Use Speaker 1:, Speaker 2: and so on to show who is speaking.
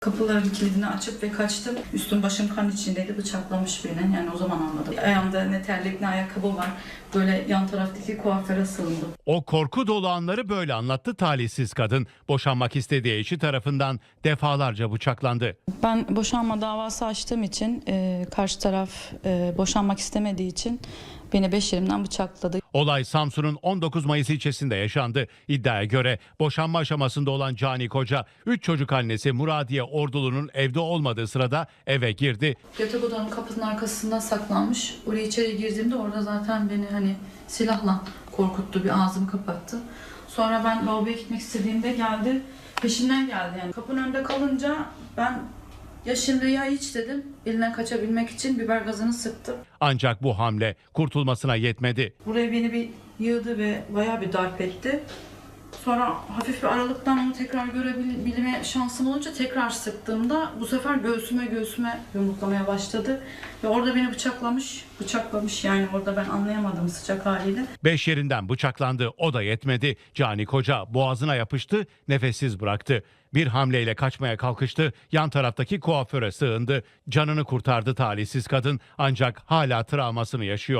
Speaker 1: Kapıların kilidini açıp ve kaçtım. Üstüm başım kan içindeydi. Bıçaklamış beni. Yani o zaman anladım. Ayağımda ne terlik ne ayakkabı var. Böyle yan taraftaki kuaföre sığındım.
Speaker 2: O korku dolu anları böyle anlattı talihsiz kadın. Boşanmak istediği eşi tarafından defalarca bıçaklandı.
Speaker 1: Ben boşanma davası açtığım için karşı taraf boşanmak istemediği için beni 5 yerimden bıçakladı.
Speaker 2: Olay Samsun'un 19 Mayıs ilçesinde yaşandı. İddiaya göre boşanma aşamasında olan Cani Koca, 3 çocuk annesi Muradiye Ordulu'nun evde olmadığı sırada eve girdi.
Speaker 1: Yatak odanın kapısının arkasından saklanmış. Oraya içeri girdiğimde orada zaten beni silahla korkuttu, bir ağzımı kapattı. Sonra ben lavaboya gitmek istediğimde geldi, peşimden geldi yani. Kapının önünde kalınca ben ya şimdi ya hiç dedim. Elinden kaçabilmek için biber gazını sıktım.
Speaker 2: Ancak bu hamle kurtulmasına yetmedi.
Speaker 1: Buraya beni bir yığdı ve bayağı bir darp etti. Sonra hafif bir aralıktan onu tekrar görebilme şansım olunca tekrar sıktığımda bu sefer göğsüme yumruklamaya başladı. Ve orada beni bıçaklamış yani orada ben anlayamadım sıcak haliyle.
Speaker 2: 5 yerinden bıçaklandı, o da yetmedi. Cani Koca boğazına yapıştı, nefessiz bıraktı. Bir hamleyle kaçmaya kalkıştı, yan taraftaki kuaföre sığındı. Canını kurtardı talihsiz kadın, ancak hala travmasını yaşıyor.